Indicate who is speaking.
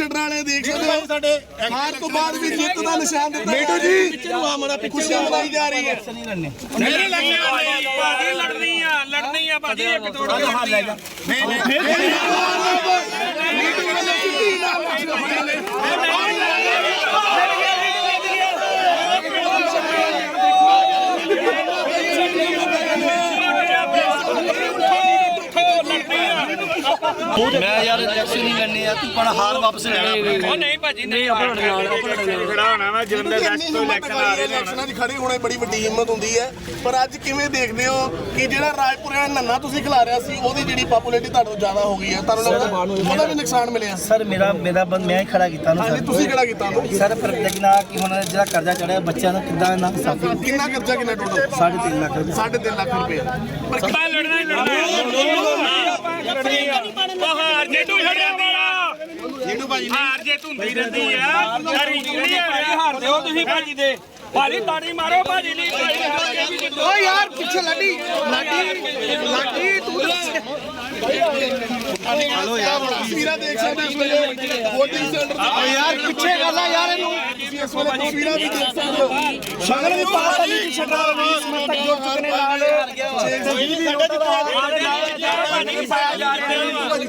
Speaker 1: ਛੱਡਣ ਵਾਲੇ ਦੇਖ ਸਕਦੇ ਹੋ ਸਾਡੇ ਹਾਰ ਤੋਂ ਬਾਅਦ ਵੀ ਜਿੱਤ ਦਾ ਨਿਸ਼ਾਨ ਦਿੱਤਾ ਮੇਟੂ ਜੀ ਖੁਸ਼ੀਆਂ ਮਨਾਈ ਜਾ ਰਹੀ ਹੈ।
Speaker 2: ਨਹੀਂ ਲੜਨੀ ਆ ਭਾਜੀ ਇੱਕ ਤੋੜੋ
Speaker 3: मैं यार इलेक्शन नहीं करनी है तू पण हार वापस ले
Speaker 2: ਉਹ ਨਹੀਂ ਭਾਜੀ ਨਹੀਂ
Speaker 4: ਖੜਾ ਹੋਣਾ ਵਾ ਜਲੰਧਰ ਵੈਸਟ ਤੋਂ ਇਲੈਕਸ਼ਨ ਆ ਰਹੇ ਨੇ।
Speaker 1: ਇਲੈਕਸ਼ਨਾਂ 'ਚ ਖੜੇ ਹੋਣਾ ਬੜੀ ਵੱਡੀ ਹਿੰਮਤ ਹੁੰਦੀ ਹੈ, ਪਰ ਅੱਜ ਕਿਵੇਂ ਦੇਖਦੇ ਹੋ ਕਿ ਜਿਹੜਾ ਰਾਜਪੁਰਾ ਨੰਨਾ ਤੁਸੀਂ ਖਿਲਾ ਰਿਹਾ ਸੀ ਉਹਦੀ ਜਿਹੜੀ ਪਪੂਲੈਰਿਟੀ ਤੁਹਾਨੂੰ ਜ਼ਿਆਦਾ ਹੋ ਗਈ ਹੈ, ਤੁਹਾਨੂੰ ਲੱਗਦਾ ਉਹਦਾ ਵੀ ਨੁਕਸਾਨ ਮਿਲਿਆ?
Speaker 3: सर मेरा ਬੰਦ मैं ही खड़ा ਕੀਤਾ ਨਾ
Speaker 1: ਹਾਂਜੀ ਤੁਸੀਂ ਕਿਹੜਾ ਕੀਤਾ ਉਹਨੂੰ?
Speaker 3: ਸਰ ਪਰ ਲੇਕਿਨ ਆ ਕਿ ਹੁਣ ਜਿਹੜਾ ਕਰਜ਼ਾ ਚੜਿਆ ਬੱਚਿਆਂ ਨੂੰ ਕਿੱਦਾਂ ਨਾ ਸਾਫੀ
Speaker 1: ਕਿੰਨਾ ਖਰਚਾ ਕਿੰਨਾ ਟੋਟਲ?
Speaker 3: 3.5 ਲੱਖ ਰੁਪਏ
Speaker 1: 3.5 ਲੱਖ ਰੁਪਏ। ਪਰ
Speaker 2: ਲੜਨਾ ਹੀ ਲੜਨਾ ਉਹ ਹਾਰ ਜੇ ਤੂੰ ਛੱਡਦੀ ਆ ਜਿਹਨੂੰ ਭਾਜੀ ਹਾਰ ਜੇ ਧੁੰਦੀ ਰਹਿੰਦੀ ਆ ਸਾਰੀ ਜਿਹੜੀ ਹਾਰ ਦਿਓ ਤੁਸੀਂ ਭਾਜੀ ਦੇ ਭਾਜੀ ਤਾੜੀ ਮਾਰੋ ਭਾਜੀ ਲਈ
Speaker 1: ਓ ਯਾਰ ਪਿੱਛੇ ਲਾਡੀ ਤੂੰ ਹਲੋ ਯਾਰ ਤਸਵੀਰਾਂ ਦੇਖ ਸਕਦੇ ਇਸ ਵੇਲੇ VOTING ਸੈਂਟਰ ਤੇ ਯਾਰ ਪਿੱਛੇ ਗੱਲ ਆ ਯਾਰ ਇਹਨੂੰ ਇਸ ਵੇਲੇ ਤਸਵੀਰਾਂ ਵੀ ਦੇਖ ਸਕਦੇ ਹੋ। ਸ਼ਗਨ ਵੀ ਪਾਤਾ ਨਹੀਂ ਛੱਡਾ 20 ਮਿੰਟ ਤੱਕ ਜੁੜ ਚੁੱਕੇ ਨੇ ਨਾਲ